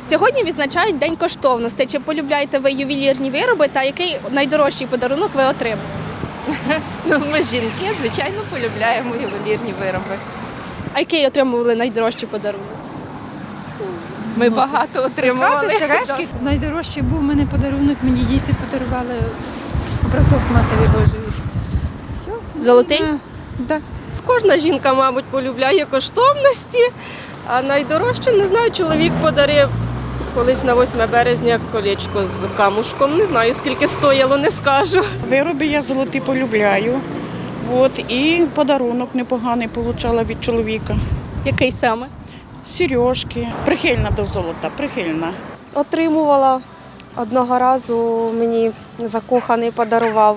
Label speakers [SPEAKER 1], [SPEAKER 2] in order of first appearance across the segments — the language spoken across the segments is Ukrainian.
[SPEAKER 1] Сьогодні відзначають День коштовностей. Чи полюбляєте ви ювелірні вироби та який найдорожчий подарунок ви отримали?
[SPEAKER 2] Ми жінки, звичайно, полюбляємо ювелірні вироби.
[SPEAKER 1] А який отримували найдорожчий подарунок?
[SPEAKER 2] Ми багато отримували.
[SPEAKER 3] Сережки. Найдорожчий був у мене подарунок, мені діти подарували образок Матері Божої. Все.
[SPEAKER 1] Золотий?
[SPEAKER 3] Так.
[SPEAKER 4] Кожна жінка, мабуть, полюбляє коштовності, а найдорожче, не знаю, чоловік подарив колись на 8 березня колечко з камушком. Не знаю, скільки стояло, не скажу.
[SPEAKER 5] Вироби я золоті полюбляю. І подарунок непоганий отримала від чоловіка.
[SPEAKER 1] Який саме?
[SPEAKER 5] Сережки. Прихильна до золота, прихильна.
[SPEAKER 6] Отримувала одного разу, мені закоханий подарував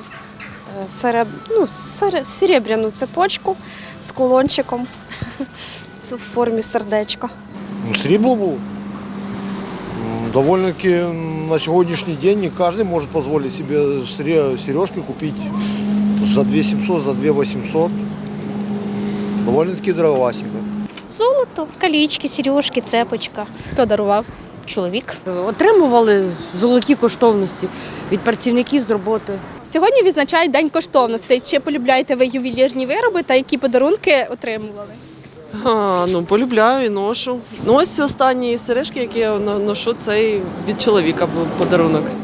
[SPEAKER 6] серебряну цепочку з кулончиком в формі сердечка.
[SPEAKER 7] Срібло було. Довольно-таки на сегодняшний день не каждый может позволить себе сережки купить за 2700, за 2800. Довольно-таки дороговасенько.
[SPEAKER 8] Золото, колечки, сережки, цепочка.
[SPEAKER 1] Хто дарував?
[SPEAKER 8] Чоловік.
[SPEAKER 9] Отримували золоті коштовності від працівників з роботи.
[SPEAKER 1] Сьогодні відзначають День коштовностей. Чи полюбляєте ви ювелірні вироби та які подарунки отримували?
[SPEAKER 10] Полюбляю і ношу. Ось останні сережки, які я ношу, це від чоловіка був подарунок.